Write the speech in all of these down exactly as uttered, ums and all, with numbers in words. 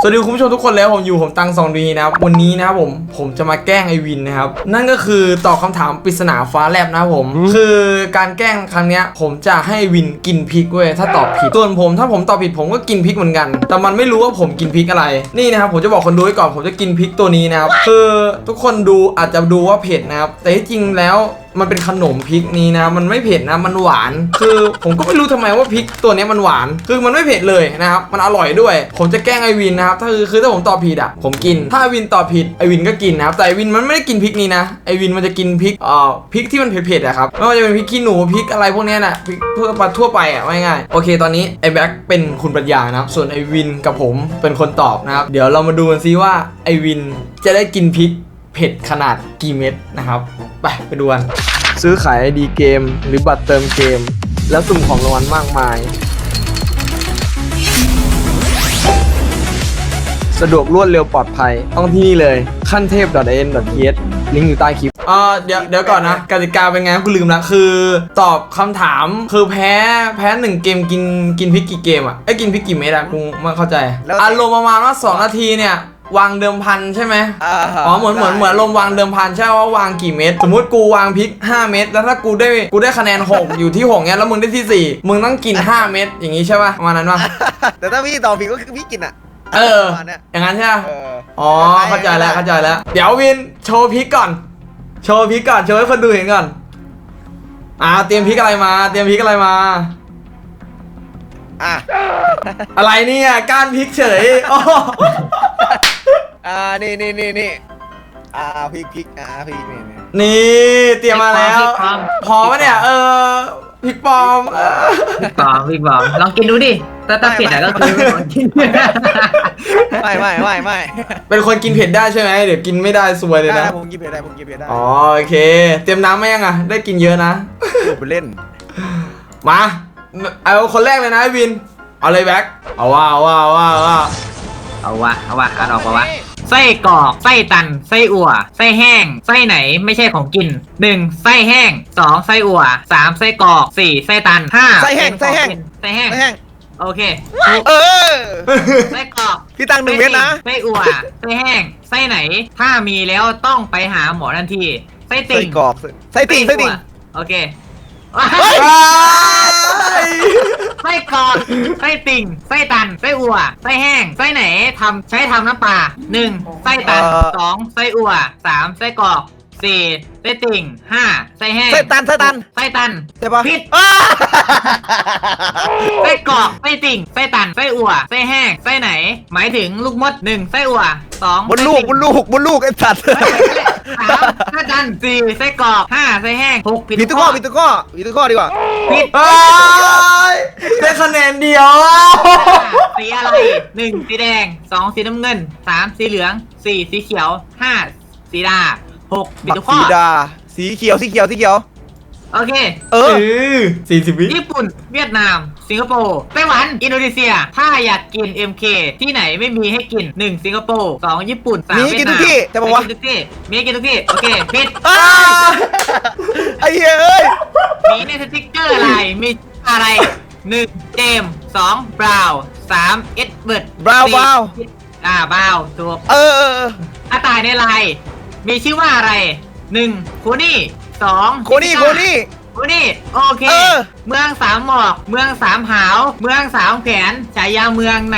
สวัสดีคุณผู้ชมทุกคนแล้วผมอยู่ผมตังสองดีนะครับวันนี้นะครับผมผมจะมาแกล้งไอวินนะครับนั่นก็คือตอบคำถามปริศนาฟ้าแลบนะครับผมคือการแกล้งครั้งนี้ผมจะให้วินกินพริกเว้ยถ้าตอบผิดส่วนผมถ้าผมตอบผิดผมก็กินพริกเหมือนกันแต่มันไม่รู้ว่าผมกินพริกอะไรนี่นะครับผมจะบอกคนดูไว้ก่อนผมจะกินพริกตัวนี้นะครับคือทุกคนดูอาจจะดูว่าเผ็ดนะครับแต่ที่จริงแล้วมันเป็นขนมพริกนี้นะมันไม่เผ็ดนะมันหวานคือผมก็ไม่รู้ทำไมว่าพริกตัวนี้มันหวานคือมันไม่เผ็ดเลยนะครับมันอร่อยด้วยผมจะแกล้งไอวินนะครับถ้าคือคือถ้าผมตอบผิดอ่ะผมกินถ้าไอวินตอบผิดไอวินก็กินนะครับแต่ไอวินมันไม่ได้กินพริกนี้นะไอวินมันจะกินพริกเอ่อพริกที่มันเผ็ดๆอะครับไม่ว่าจะเป็นพริกขี้หนูพริกอะไรพวกนี้น่ะพริกทั่วไปทั่วไปอ่ะง่ายๆโอเคตอนนี้ไอแบ็คเป็นคุณปรัชญานะครับส่วนไอวินกับผมเป็นคนตอบนะครับเดี๋ยวเรามาดูกันซิว่าไอวินจะได้กินพริกเผ็ดขนาดกี่เม็ดนะครับไปไปดูกันซื้อขายไอดีเกมหรือบัตรเติมเกมแล้วสุ่มของรางวัลมากมายสะดวกรวดเร็วปลอดภัยต้องที่นี่เลยขั้นเทพ .in.th ลิงก์อยู่ใต้คลิปอ่าเดี๋ยวเดี๋ยวก่อนนะกติกาเป็นไงกูลืมละคือตอบคำถามคือแพ้แพ้หนึ่งเกมกินกินพริกกี่เกมอ่ะไอ้กินพริกกี่เม็ดอะกูไม่เข้าใจอารมณ์ประมาณว่าสองนาทีเนี่ยวางเดิมพันใช่ไหมอ๋อเหมือนเหมือนเหมือนลมวางเดิมพันใช่ว่าวางกี่เม็ดสมมุติกูวางพริกห้าเม็ดแล้วถ้ากูได้กูได้คะแนนหกอยู่ที่หกเนี้ยแล้วมึงได้ที่สี่มึงต้องกินห้าเม็ดอย่างงี้ใช่ป่ะประมาณนั้นป่ะแต่ถ้าพี่ตอบผิดก็คือพี่กินอ่ะเอออย่างนั้นใช่ป่ะอ๋อเข้าใจแล้วเข้าใจแล้วเดี๋ยววินโชว์พริกก่อนโชว์พริกก่อนโชว์ให้คนดูเห็นก่อนอ่าเตรียมพริกอะไรมาเตรียมพริกอะไรมาอ่ะอะไรเนี่ยก้านพริกเฉยอ่านี่นี่นี่นี่อ่าพริกพริกอ่าพริกนี่นี่นี่เตรียมมาแล้วพอปะเนี่ยเออพริกปลอมพริกปลอมพริกปลอมลองกินดูดิถ้าถ้าเผ็ดอะก็คือกินไม่ไม่ไม่ไม่เป็นคนกินเผ็ดได้ใช่ไหมเดี๋ยวกินไม่ได้ซวยเลยนะผมกินเผ็ดได้ผมกินเผ็ดได้อ๋อโอเคเตรียมน้ำไหมยังอ่ะได้กินเยอะนะไปเล่นมาเอาคนแรกเลยนะไอวินเอาเลยแบ็คเอาว่าเอาว่าเอาว่าเอาว่าเอาวะเอาวะอ่านออกปะวะไส้กรอกไส้ตันไส้อั่วไส้แห้งไส้ไหนไม่ใช่ของกินหนึ่งไส้แห้งสองไส้อั่วสามไส้กรอกสี่ไส้ตันห้าไส้แห้งไส้แห้งไส้แห้งโอเคเออไส้กรอกพี่ตังหนึ่งเม็ดนะไส้อั่วไส้แห้งไส้ไหนถ้ามีแล้วต้องไปหาหมอทันทีไส้ติ่งไส้กรอกไส้ติ่งไส้ติ่งโอเคไส้กรอกไส้ติ่งไส้ตันไส้อั่วไส้แห้งไส้ไหนทำใช้ทำน้ำปลาหนึ่งไส้ตันสองไส้อั่วสามไส้กรอกสี่ไส้ติ่งห้าไส้แห้งไส้ตันไส้ตันไส้ตันใช่ปะผิดไส้กรอกไส้ติ่งไส้ตันไส้อั่วไส้แห้งไส้ไหนหมายถึงลูกมดหนึ่งไส้อั่วสองบนลูกบนลูกบนลูกไอ้สัตว์สามไส้ตันสี่ไส้กรอกห้าไส้แห้งหกผิดทุกข้อผิดทุกข้อผิดทุกข้อดีกว่าผิดได้คะแนนเดียวสีอะไรหนึ่งสีแดงสองสีน้ำเงินสามสีเหลืองสี่สีเขียวห้าสีดาหกผิดทุกข้อสีดาสีเขียวสีเขียวสีเขียวโอเคเออสี่สิบวิญี่ปุ่นเวียดนามสิงคโปร์ไต้หวันอินโดนีเซียถ้าอยากกิน เอ็ม เค ที่ไหนไม่มีให้กินหนึ่งสิงคโปร์สองญี่ปุ่นสามเวียดนามมีกินทุกที่แต่บอกว่ามีกินทุกที่มีกินทุกที่โอเคผิดไอ้เฮ้ยมีในสติ๊กเกอร์อะไรมีอะไรหนึ่งเจมสองบราวสามเอ็ดเบิร์ดบราวบราวอ่าบราวถูกเอออาตายในลายมีชื่อว่าอะไรหนึ่งโคนี่สองโคนี่โคนี่โคนี่โอเคเมืองสามหมอกเมืองสามหาวเมืองสามแขนฉายาเมืองไหน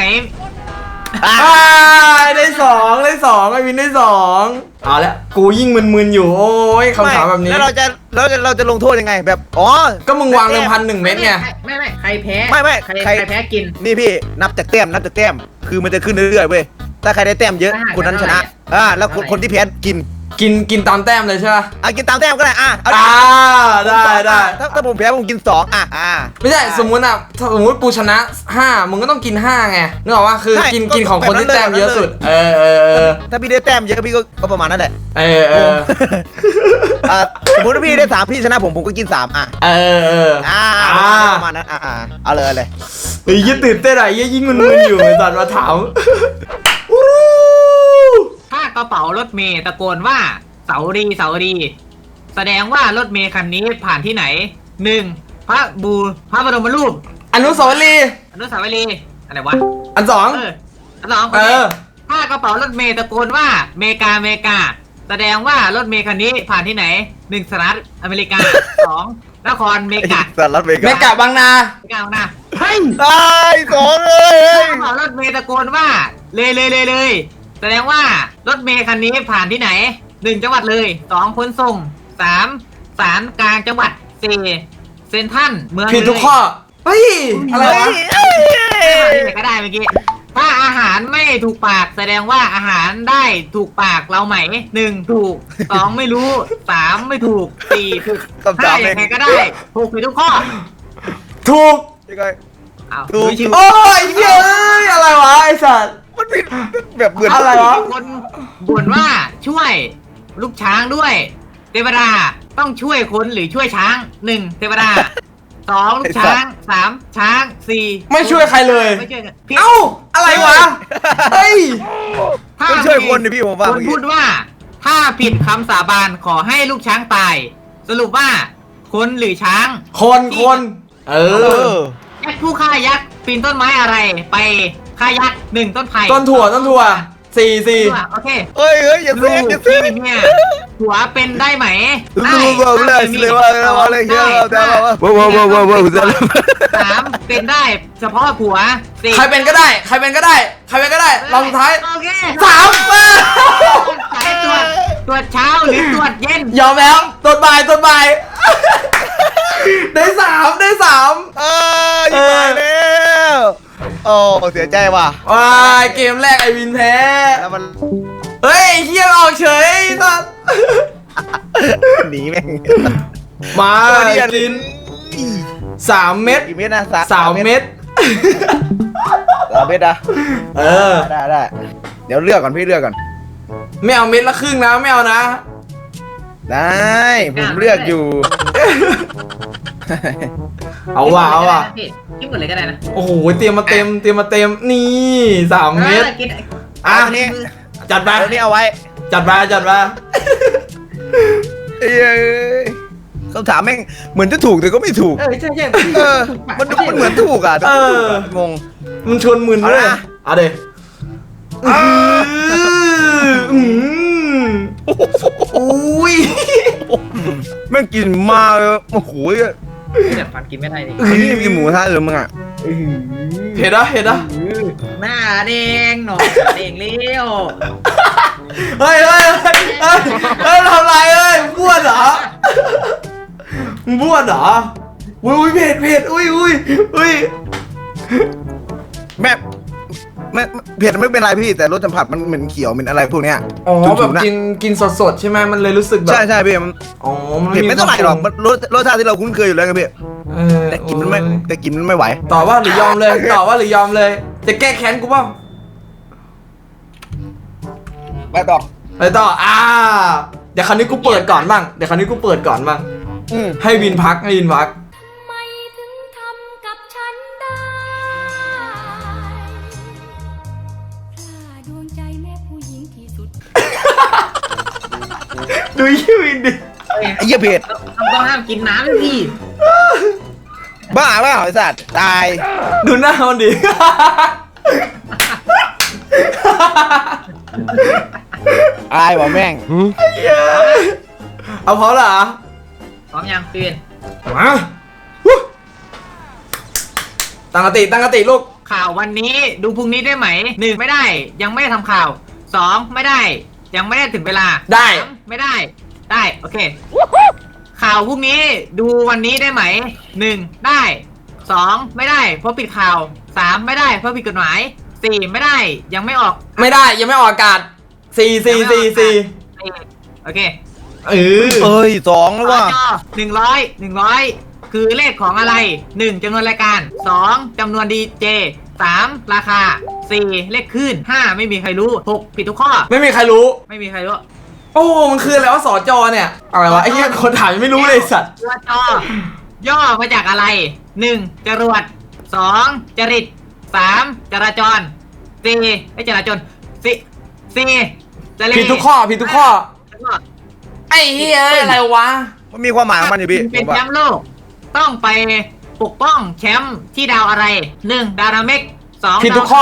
ได้สองได้สองไอวินได้สองเอาละกูยิ่งมึนๆอยู่โอ้ยคำถามแบบนี้แล้วเราจะเราจะเราจะลงโทษยังไงแบบอ๋อก็มึงวางเดิมพันหนึ่งเม็ดไงไม่ไม่ใครแพ้ไม่ไม่ใครใครแพ้กินนี่พี่นับจากแต้มนับจากแต้มคือมันจะขึ้นเรื่อยๆเว้ยถ้าใครได้แต้มเยอะคนนั้นชนะอ่าแล้วคนที่แพ้กินกินกินตามแต้มเลยใช่ไหมอ่ะกินตามแต้มก็ได้อ่ะอ่าได้ได้ถ้าถ้าผมแพ้ผมกินสองอ่ะอ่าไม่ใช่สมมุติอ่ะสมมุติกูชนะห้ามึงก็ต้องกินห้าไงนึกออกว่าคือกินกินของคนที่แต้มเยอะสุดเออเออถ้าพี่ได้แต้มเยอะพี่ก็ประมาณนั้นแหละเออเออสมมติว่าพี่ได้สามพี่ชนะผมผมก็กินสามอ่ะเออเอออ่าประมาณนั้นอ่าเอาเลยเลยเฮ้ยยิ่งตื่นเต้นอะไรยิ่งมึนๆอยู่ตอนมาถามถ้ากระเป๋ารถเมย์ตะโกนว่าเสารีเสารีแสดงว่ารถเมย์คันนี้ผ่านที่ไหนหนึ่งพระบูพระบรมรูปอนุสาวรีย์อนุสาวรีย์อะไรวะอันสองสองเออถ้ากระเป๋ารถเมย์ตะโกนว่าเมกาเมกาแสดงว่ารถเมย์คันนี้ผ่านที่ไหนหนึ่งสหรัฐอเมริกาสองนครเมกาสหรัฐอเมริเมกากะบางนาเมกานะเฮ้ยตายสองเลยถ้ากระเป๋ารถเมย์ตะโกนว่าเลยเลยเลยเลยแสดงว่ารถเมย์คันนี้ผ่านที่ไหนหนึ่งจังหวัดเลยสองขนส่งสามศาลกลางจังหวัดสี่เซ็นทรัลเมืองผิดทุกข้อ เฮ้ย อะไรวะเลยก็ได้เมื่อกี้ถ้าอาหารไม่ถูกปากแสดงว่าอาหารได้ถูกปากเราไหมหนึ่งถูกสองไม่รู้สามไม่ถูกสี่ถูกห้าอย่างไรก็ได้ถูกผิดทุกข้อถูกยังไงเอาถูกชิวโอ้ยเย้ยอะไรวะไอสัตว์มันผิดแบบเหมือนอะไรวะมีคนบ่นว่าช่วยลูกช้างด้วย เทวดาต้องช่วยคนหรือช่วยช้างหนึ่งเทวดาสองลูกช้างสามช้างสี่ไม่ช่วยใครเลยไม่ช่วยกันผิดเอ้า อะไรวะ เฮ้ยถ้าต้องช่วยคนดิพี่ผมว่าคนพูดว่า ถ้าผิดคำสาบานขอให้ลูกช้างตาย สรุปว่า คนหรือช้างคนคนเอเอออยักษ์ผู้ฆ่ายักษ์ปีนต้นไม้อะไร ไปฆ่ายักษ์หนึ่งต้นไผ่ต้นถั่วต้นถั่วสี่สี่ถั่วโอเคเฮ้ยเฮ้ยอย่าลูเซ่กอย่าพี่เซ่เนี่ยหัวเป็นได้ไหมรู้ว่าเลยเลยว่าอะไรเงี้ยแต่ว่าว้าวว้าวว้าวว้าวจะสามเป็นได้เฉพาะผัวสี่ใครเป็นก็ได้ ใครเป็นก็ได้ ใครเป็นก็ได้ลองสุดท้ายโอเคสามเออใช้ตรวจตรวจเช้าหรือตรวจเย็นยอมแล้วตัวบ่ายตัวบ่าย ได้สามได้สามเอ้ยตายแล้วโอ้เสียใจว่ะว้ายเกมแรกไอวินแพ้แล้วมันเฮ้ยเฮียออกเฉยสัสหนีแม่งมาจินสามเม็ดกี่เม็ดนะสามเม็ดสามเม็ดอะเออได้ได้เดี๋ยวเลือกก่อนพี่เลือกก่อนไม่เอาเม็ดละครึ่งนะไม่เอานะได้ผมเลือกอยู่เอาว่ะเอาว่ะกินหมดเลยก็ได้นะโอ้โหเตรียมมาเต็มเตรียมมาเต็มนี่สามเม็ดกินอ่ะอันนี้จัดไปเดี๋ยวนี้เอาไว้จัดไปจัดไปเอ้ยคำถามแม่งเหมือนจะถูกแต่ก็ไม่ถูกเออใช่ใช่เออมันมันเหมือนถูกอ่ะแต่ไม่ถูกอะงงมันชวนมึนด้วยเอานะเอาเดี๋ยวอ่าอืมอุ้ยแม่งกินมาเลยโอ้โหแต่ฟันกินไม่ได้ดิอันนี้กินหมูกระทะหรือมึงอ่ะเห็นนะเห็นนะหน้าแดงหนอแดงเลี้ยวเฮ้ยเฮ้ยเฮ้ยเฮ้ยเฮ้ยทำไรเอ้ยบ้วนเหรอมึงบ้วนเหรออุ้ยอุ้ยเผ็ดเผ็ดอุ้ยอุ้ยอุ้ยแม่แม่เผ็ดไม่เป็นไรพี่แต่รสสัมผัสมันเหม็นเขียวเหม็นอะไรพวกเนี้ยอ๋อฉุแบบๆนะกินกินสดๆใช่ไหมมันเลยรู้สึกแบบใช่ใช่พี่มันอ๋อมันเผ็ดไม่เท่าไหร่หรอกมันรสรสชาติที่เราคุ้นเคยอยู่แล้วไงพี่เออแต่กินมันไม่แต่กินมันไม่ไหวต่อว่าหรือยอมเลยต่อว่าหรือยอมเลย จะแก้แค้นกูเปล่าไปต่อไปต่ออ่าเดี๋ยวคราวนี้กูเปิดก่อนบ้างเดี๋ยวคราวนี้กูเปิดก่อนบ้างอืมให้วินพักให้วินพักไม่ถึงทำกับฉันได้พลาดวงใจแม่ผู้หญิงที่สุดดูยี่วินดิไอ้เหี้ยเผ็ดต้องห้ามกินน้ำเลยพี่บ้าเปล่าไอ้สัตว์ตายดูหน้ามันดิตายว่ะแม่งเอาพอเหรอพร้อมยังตื่นมาวู้ตั้งสติตั้งสติลูกข่าววันนี้ดูพรุ่งนี้ได้ไหมหนึ่งไม่ได้ยังไม่ได้ทำข่าวสองไม่ได้ ยังไม่ได้ถึงเวลาได้สามไม่ได้ ได้โอเค ข่าวพรุ่งนี้ดูวันนี้ได้ไหมหนึ่งได้สองไม่ได้เพราะปิดข่าวสามไม่ได้เพราะผิดกฎหมายสี่ไม่ได้ยังไม่ออกไม่ได้ยังไม่ออกอากาศสี่สี่สี่สี่สี่โอเคเออเอ้ยสองแล้วว่ะหนึ่งร้อยหนึ่งร้อยคือเลขของอะไรหนึ่งจำนวนรายการสองจำนวนดีเจสามราคาสี่เลขขึ้นห้าไม่มีใครรู้หกผิดทุกข้อไม่มีใครรู้ไม่มีใครรู้โอ้ มันคืออะไรวะสอจอเนี่ยอะไรวะไอ้เหี้ยคนถามยังไม่รู้เลยไอ้สัตว์ตัวจอย่อมาจากอะไรหนึ่งจรวดสองจริตสามจราจรสี่ไม่จราจรสี่สี่ทะเลผิดทุกข้อผิดทุกข้อแล้วก็ไอ้เหี้ยอะไรวะมันมีความหมายของมันอยู่พี่เป็นผมว่าแชมป์โลก ต้องไปปกป้องแชมป์ที่ดาวอะไรหนึ่งดาวนาเมกสองผิดทุกข้อ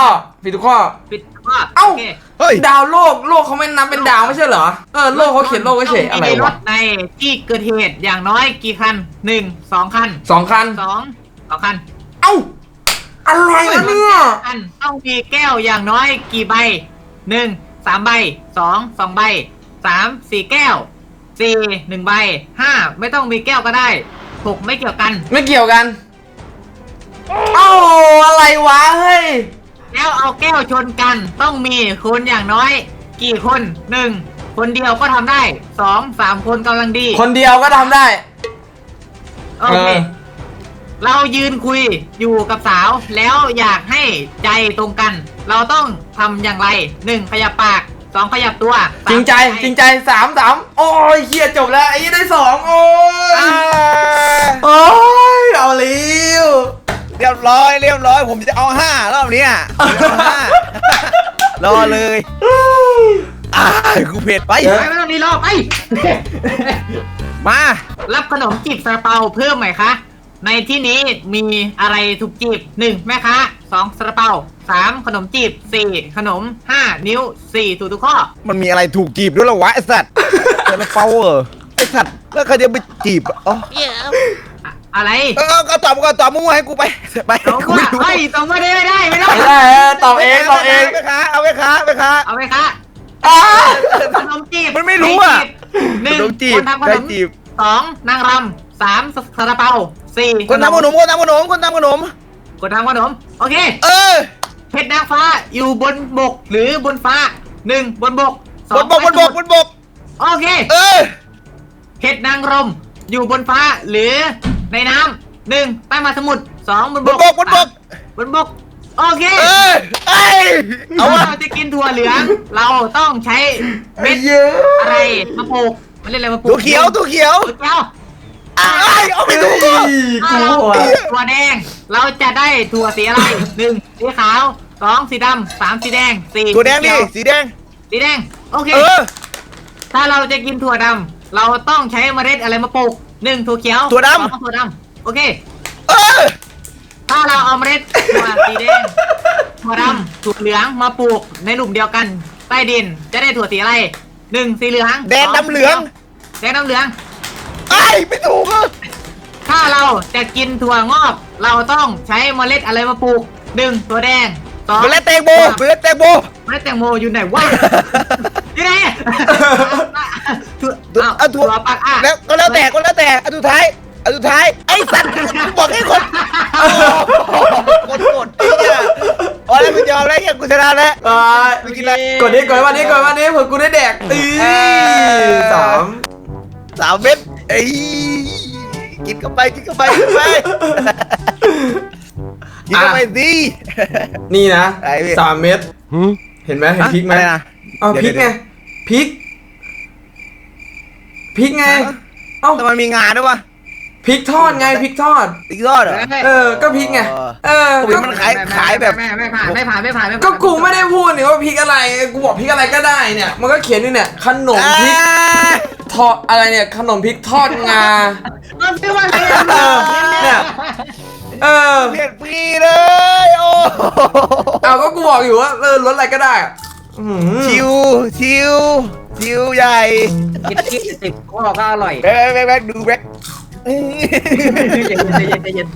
ผิดทุกข้อผิดข้อเอ้าโอเคเฮ้ยดาวโลกโลกเขาไม่นับเป็นดาวไม่ใช่เหรอเออโลกเขาเขียนโลกไว้เฉยต้งอะไรมีรวะถในที่เกิดเหตุอย่างน้อยกี่คันหนึ่งสองคันสองคันสองสองคันเอ้าอะไรวะเนี่ยคันต้องมีแก้วอย่างน้อยกี่ใบหนึ่งสามใบสองสองใบสามสี่แก้วสี่หนึ่งใบห้าไม่ต้องมีแก้วก็ได้หกไม่เกี่ยวกันไม่เกี่ยวกัน เอ้าอะไรวะเฮ้ยแล้วเอาแก้วชนกันต้องมีคนอย่างน้อย กี่คนหนึ่งคนเดียวก็ทำได้สองสามคนกำลังดีคนเดียวก็ทำได้โอเคเออเรายืนคุยอยู่กับสาว แล้วอยากให้ใจตรงกัน เราต้องทำอย่างไรหนึ่งขยับปากสองขยับตัวสามจริงใจจริงใจสามสามโอ้ยเฮียจบแล้วไอ้ยี่ได้สองโอ้ยอ่าโอ้ยเอาเร็วเรียบร้อยเรียบร้อยผมจะเอาห้ารอบเนี้ยผมจะเอาห้ารอเลยอ่ากูเผ็ดไปไปไม่ต้องรีรอไปมารับขนมจีบซาลาเปาเพิ่มไหมคะ ในที่นี้มีอะไรถูกจีบหนึ่งแม่ค้าสองซาลาเปาสามขนมจีบสี่ขนมห้านิ้วสี่ถูกทุกข้อมันมีอะไรถูกจีบด้วยเหรอวะไอสัตว์จะมาเปาเหรอไอสัตว์แล้วใครจะไปจีบอ่ะอ๋ออะอะไรเออก็ตอบก็ตอบมั่วให้กูไปไปตรงกูว่าไม่รู้เฮ้ยตรงว่าได้ไม่ได้ไม่ได้ไม่ได้เออตอบเองตอบเองไปค้าเอาไปค้าไปค้าเอาไหมคะอ้าขนมจีบมันไม่รู้อะหนึ่งขนมจีบคนทำขนได้มจีบสองนางรำสามซาลาเปาสี่คนทำขนมคนทำขนมคนทำขนมคนทำขนมโอเคเออเพชรนางฟ้าอยู่บนบกหรือบนฟ้าหนึ่งบนบกสบองนบกบนบกบนบกโอเคเออเพชรนางรมอยู่บนฟ้าหรือในน้ำหนึ่งใต้มหาสมุทรสองบนบบ นกบกบนบกบนบกโอเคเออไอยเอาถ้าวะเราจะกินถั่วเหลือง เราต้องใช้เม็ดเยอะอะไรมาปลูกมันเรียกอะไรมาปลูกตัวเขียวตัวเขียวตัวเขียวไอ้เอาไปเฮ้ดูยถ้ากลัเราวปลูกถั่วแดง เราจะได้ถั่วสีอะไรหนึ่งสีขาวสองสีดำสามสีแดงสี่ตัวแดงสีนี่เขียวสีแดงสีแดงโอเคเออถ้าเราจะกินถั่วดำเราต้องใช้เมล็ดอะไรมาปลูกหนึ่งถั่วเขียวถั่วดำสองถั่วดำโอเคเออถ้าเราเอาเมล็ดถั่วสีแดงถั่วดำถั่วเหลืองมาปลูกในหลุมเดียวกัน ใต้ดินจะได้ถั่วสีอะไรหนึ่งสีเหลืองแดงสดำเหลืองแดงดำเหลืองไอ้ไม่ถูกอ่ะถ้าเราจะกินถั่วงอก เราต้องใช้เมล็ดอะไรมาปลูกหนึ่งถั่วแดงสองเมล็ดแตงโมเมล็ดแตงโมเมล็ดแตงโมอยู่ไหนวะอยู่ไหนถั่วตัวอ้าวเอาถั่ถั่ววปักอ่ะแล้วก็แล้วแต่ก็แล้วแต่อันสุดท้ายอันสุดท้ายไอ้สัตว์บอกให้คนกดกดไอ้เนี่ยอ๋อแล้วกูยอมแล้วยังกูชนะแล้วเอ้ยไปกินอะไรกดนี้กดวันนี้กดวันนี้เผื่อกูได้แดกตีสามสามเม็ดเอ้ยกินเข้าไปกินเข้าไปกินเข้าไปกินเข้าไปสินี่นะไอ้พี่สามเม็ดเห็นไหมเห็นพริกไหมอะไรนะเอาพริกไงพริกพริกไง เอ้าแต่มันมีงานด้วยวะพริกทอดไงพริกทอดติ๊กทอดเหรอเออ ก็พริกไง เออผมเห็นมันขายขายแบบไม่ไม่ผ่านไม่ผ่านไม่ผ่านไม่ผ่านก็กูไม่ได้พูดนี่ว่าพริกอะไร กูบอกพริกอะไรก็ได้เนี่ย มันก็เขียนนี่เนี่ย ขนมพริกทอดอะไรเนี่ย ขนมพริกทอดงามันชื่อว่าอะไรเออเนี่ย เออเปลี่ยนปีเลยโอ้เอาก็กูบอกอยู่ว่าเออรสอะไรก็ได้อะอื้อหือชิวชิวชิวใหญ่กินกินสิบข้อก็อร่อยแบ๊กแบ๊กแบ๊กดูแบ๊กใจเย็นใจเย็นใจเย็น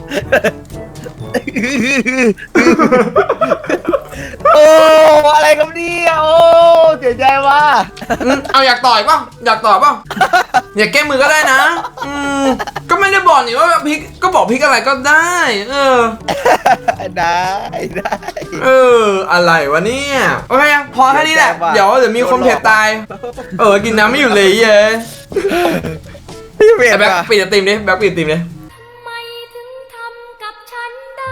โอ้อะไรกันเนี่ยโอ้เสียใจว่ะอืมเอาอยากต่อยเปล่าอยากต่อยเปล่าอยากแก้มือก็ได้นะ อืมก็ไม่ได้บอกนี่ว่าพริกก็บอกพริกอะไรก็ได้ เออได้ได้เออ อะไรวะเนี่ยโอเคพอแค่นี้แหละเดี๋เดี๋ยว วยเดี๋ยวมีคนเผ็ดตาย เออ กินน้ำไม่อยู่เลยเย้พี่เวทแต่แบ็คว่ะปิดไอติมดิแบ็คปิดไอติมดิทำไมถึงทำกับฉันได้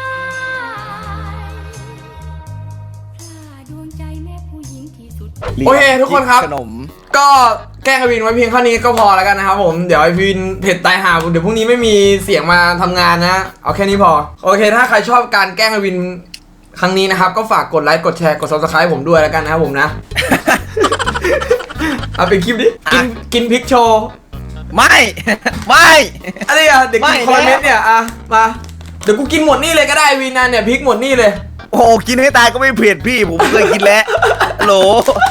พลาดดวงใจแม่ผู้หญิงที่สุดโอเคทุกคนครับขนมก็แกล้งไอวินไว้เพียงเท่านี้ก็พอแล้วกันนะครับผมเดี๋ยวไอวินเผ็ดตายหาเดี๋ยวพรุ่งนี้ไม่มีเสียงมาทำงานนะเอาแค่นี้พอโอเค ถ้าใครชอบการแกล้งไอวินครั้งนี้นะครับก็ฝากกดไลค์กดแชร์กด ซับสไครบ์ ผมด้วยแล้วกันนะครับผมนะ เอาเป็นคลิปดิกินกินพริกโชว์ไม่ไม่อะไรอ่ะเด็กกินไม่คอนเมนแล้วต์เนี่ยอ่ะมาเดี๋ยวกูกินหมดนี่เลยก็ได้วินนะเนี่ยพริกหมดนี่เลยโอ้โหกินให้ตายก็ไม่เผ็ดพี่ผมเคยกินแล้วฮัลโหล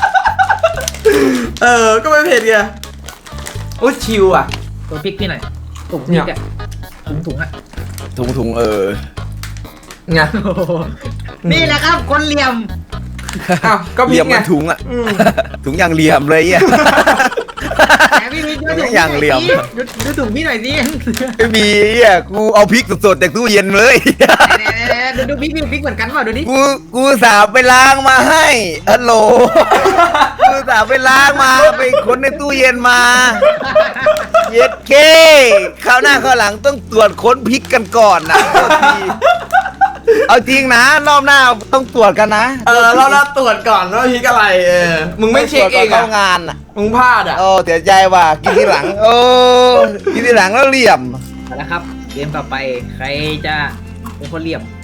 เออก็ไม่เผ็ดไงโอ้ชิวอ่ะตัวพริกพี่หน่อยถุงพริกอะถุงถุงอะถุงถุงเออไงนี่แหละครับคนเหลี่ยมอ้าวก็เหพริลี่ยกมไงมันถุงอ่ะอืมถุงอย่างเหลี่ยมเลยอ่ะแต่พี่พี่ดูถุงอย่างเหลี่ยมดูดูถุงพี่หน่อยสิไม่มีอ่ะกูเอาพริกสดๆจากตู้เย็นเลยดูดูพริกพริกเหมือนกันเปล่าดูดิกูกูสาบไปล้างมาให้ฮัลโหลกูสาบไปล้างมาไปค้นในตู้เย็นมาเย็ดเคคราวหน้าคราวหลังต้องตรวจค้นพริกกันก่อนนะเอาจริงนะรอบหน้าต้องตรวจกันนะเออเราเราตรวจก่อนว่าพริกอะไรเออมึงไม่เช็คเองเข้าอ่ะงานอ่ะมึงพลาดอ่ะโอ้เสียใจว่ะกินทีหลังโอ้กินทีหลังแล้วเหลี่ยมเอาละครับเกมต่อไปใครจะเป็นคนเหลี่ยม